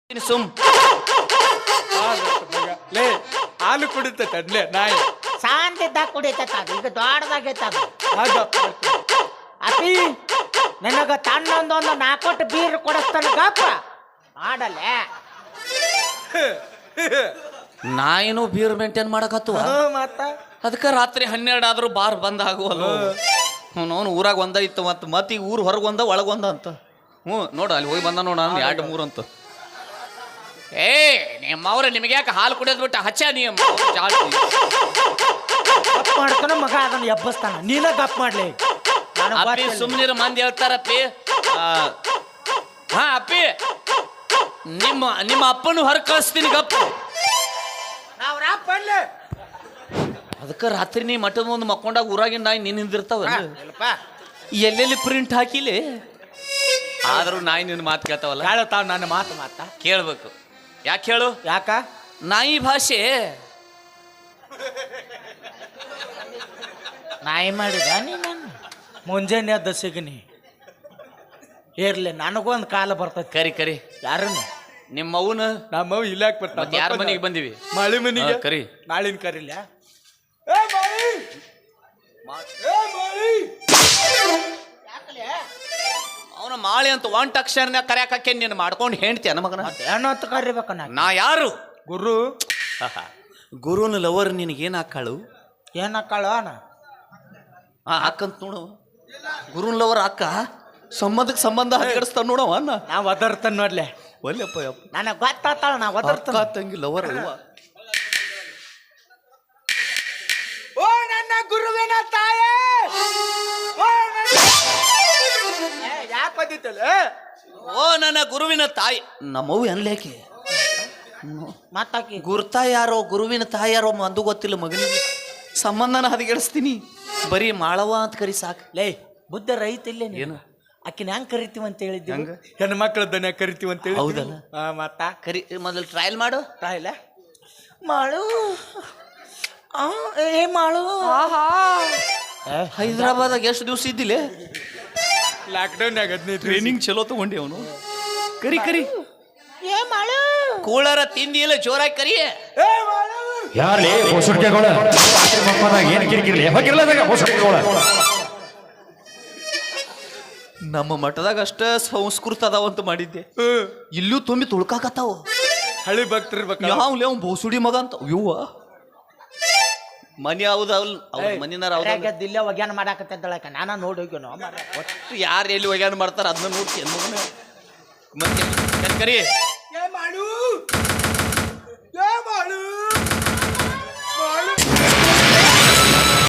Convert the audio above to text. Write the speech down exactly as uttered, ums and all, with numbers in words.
ಸುಮ್ ಲೇ ಹಾಲು ಕುಡಿತ ತಡ್ಲೆ ನಾಯಿ ಶಾಂತಿದ್ದಾಗ ಕುಡಿತೈತ ಅದು ಈಗ ದೊಡ್ಡದಾಗೈತ ಅದು ಆಗ ಅಪಿ ನಿನಗ ತನ್ನೊಂದೊಂದು ನಾಲ್ಕೊಟ್ಟು ಬೀರ್ ಕೊಡಿಸ್ತಾನ ಗಪ್ಪ ಮಾಡಲ್ಲೇ ನಾಯಿನೂ ಬೀರ್ ಮೇಂಟೈನ್ ಮಾಡಕತ್ತು ಮತ್ತ ಅದಕ್ಕೆ ರಾತ್ರಿ ಹನ್ನೆರಡು ಆದ್ರೂ ಬಾರ್ ಬಂದ್ ಆಗುವಲ್ಲ ಅವನು ಊರಾಗ ಒಂದ ಇತ್ತು ಮತ್ತು ಮತ್ತೆ ಈಗ ಊರು ಹೊರಗೆ ಒಂದ ಒಳಗೊಂದ ಅಂತ ಹ್ಞೂ ನೋಡು ಅಲ್ಲಿ ಹೋಗಿ ಬಂದ ನೋಡ ನಾನು ಎರಡು ಮೂರು ಅಂತ ಏ ನಿಮ್ಮವ್ರ ನಿಮಗೆ ಯಾಕೆ ಹಾಲು ಕುಡಿಯೋದು ಬಿಟ್ಟು ಹಚ್ಚ ನೀವು ಜಾಸ್ತಿ ಗಪ್ ಮಾಡ್ತಾನ ಮಗ ಅದನ್ನ ಎಬ್ಬಸ್ತಾನ ನೀನ ಗಪ್ ಮಾಡ್ಲಿ ಅಪ್ಪಿ ಸುಮ್ಮನಿರ ಮಂದಿ ಹೇಳ್ತಾರಪ್ಪಿ ಹಾ ಅಪ್ಪಿ ನಿಮ್ಮ ನಿಮ್ಮ ಅಪ್ಪನು ಹೊರ ಕಳಿಸ್ತೀನಿ ಗಪ್ಪ ಅದಕ್ಕೆ ರಾತ್ರಿ ನೀ ಮಠದ ಮುಂದೆ ಮಕ್ಕೊಂಡಾಗ ಊರಾಗಿನ ನಾಯಿ ನೀನು ನಿಂದಿರ್ತಾವ ಎಲ್ಲೆಲ್ಲಿ ಪ್ರಿಂಟ್ ಹಾಕಿಲಿ ಆದ್ರೂ ನಾಯಿ ನಿನ್ನ ಮಾತು ಕೇಳ್ತಾವಲ್ಲ ಕೇಳತಾವ ನನ್ನ ಮಾತು ಮಾತ ಕೇಳ್ಬೇಕು ಯಾಕೆ ಹೇಳು ಯಾಕ ನಾಯಿ ಭಾಷೆ ನಾಯಿ ಮಾಡಿದ ನೀನು ಮುಂಜಾನೆ ಎದ್ದ ಸಿಗನಿ ಇರ್ಲಿ ನನಗೊಂದು ಕಾಲ ಬರ್ತೈತಿ ಕರಿ ಕರಿ ಯಾರನ್ನ ನಿಮ್ಮ ಅವನ ನಮ್ಮ ಇಲ್ಲಾಕ್ ಬರ್ತಾವ ಯಾರ ಮನೆಗೆ ಬಂದಿವಿ ಮಳಿ ಮನಿಗೆ ಹಾ, ಕರಿ ನಾಳಿನ ಕರಿಲ್ಲ ಅವನ ಮಾಳಿ ಅಂತ ಒಂಟ್ ಅಕ್ಷರನ ಕರ್ಯಾಕಕ್ಕೆ ನೀನು ಮಾಡ್ಕೊಂಡು ಹೇಳ್ತೀಯ ಮಗನ ಏನು ಅಂತ ಕರಿಬೇಕ ನಾ ನಾ ಯಾರು ಗುರು ಗುರುನ ಲವರ್ ನಿನಗೇನು ಹಾಕಾಳು ಏನ್ ಹಾಕಾಳ ಆ ಅಕ್ಕಂತ ನೋಡು ಗುರುನ್ ಲವರ್ ಅಕ್ಕ ಸಂಬಂಧಕ್ಕೆ ಸಂಬಂಧ ಹರಿಗಡಿಸ್ತಾನ ನೋಡವ ಅನ್ನ ನಾ ಒದರ್ತಾನ ನೋಡ್ಲೆ ಒಲ್ಲೆಪ್ಪ ಯಪ್ಪ ನನಗೆ ಗೊತ್ತಾತಾಳ ನಾ ಒದರ್ತಾನ ಅಕ್ಕ ತಂಗಿ ಲವರ್ ಅಲ್ವಾ ಓ ನನ್ನ ಗುರುವಿನ ತಾಯೇ ಯಾಕೆ ಬಂದಿತ್ತಲ್ಲ ಓ ನನ್ನ ಗುರುವಿನ ತಾಯಿ ನಮ್ಮವು ಅನ್ಲೇಕೆ ಮತ್ತಾಕಿ ಗುರ್ತ ಯಾರೋ ಗುರುವಿನ ತಾಯಿ ಯಾರೋ ಅಂದು ಗೊತ್ತಿಲ್ಲ ಮಗನಿಗೆ ಸಂಬಂಧನ ಹದಗೆಡಿಸ್ತೀನಿ ಬರೀ ಮಾಳವ ಅಂತ ಕರಿ ಸಾಕು ಲೇ ಬುದ್ಧ ರೈತ ಇಲ್ಲೇ ಏನು ಆಕಿನ ಹೆಂಗ್ ಕರಿತೀವಿ ಅಂತ ಹೇಳಿದ್ವಿ ಹೆಂಗ ಹೆಣ್ಣು ಮಕ್ಕಳ ದನ ಕರಿತೀವಿ ಅಂತ ಹೇಳಿ ಹೌದಲ್ಲ? ಹಾ ಮತ್ತ ಕರಿ ಮೊದಲು ಟ್ರಯಲ್ ಮಾಡು ತಾಯಿಲ್ಲ ಮಾಳು ಆ, ಏ ಮಾಳು ಹೈದರಾಬಾದಾಗ ಎಷ್ಟು ದಿವಸ ಇದ್ದಿಲ್ಲ ಲಾಕ್ಡೌನ್ಯಾಗ ಹದಿನೈದು ಟ್ರೈನಿಂಗ್ ಚಲೋ ತಗೊಂಡಿ ಅವನು ಕರಿ ಕರಿ ಏ ಮಾಳು ಕೂಳರ ತಿಂದಿಲ್ಲ ಜೋರಾಗಿ ಕರಿ ಯಾರೇ ಹೊಸಡ್ಕೆಗಳ ರಾತ್ರಿ ಮಕ್ಕಳಾಗ ಏನು ಕಿರಿಕಿರ್ಲಿ ಹೋಗಿರ್ಲದಾಗ ಹೊಸಡ್ಕೆಗಳ ನಮ್ಮ ಮಠದಾಗ ಅಷ್ಟ ಸಂಸ್ಕೃತ ಅದಾವಂತ ಮಾಡಿದ್ದೆ ಇಲ್ಲೂ ತುಂಬಿ ತುಳ್ಕಾಕತ್ತಾವ ಹಳಿ ಭಕ್ತರ್ಬೇಕ ಯಾವ್ಲೇ ಅವ್ನು ಬೋಸುಡಿ ಮಗ ಅಂತ ಇವ್ವ ಮನಿ ಹೌದ ಅವ್ರ ಮನಿನಾರ ಹೌದ ದಿಲ್ಲ ಒಗ್ಯಾನ ಮಾಡಾಕತ್ತಿದ್ದಳಕ ನಾನ ನೋಡಿ ಹೋಗ್ಯನೋ ಒಟ್ಟು ಯಾರು ಎಲ್ಲಿ ಒಗ್ಯಾನ ಮಾಡ್ತಾರ ಅದನ್ನ ನೋಡ್ತೀನಿ ಮಗನ ಮತ್ತೆ ಕರಿ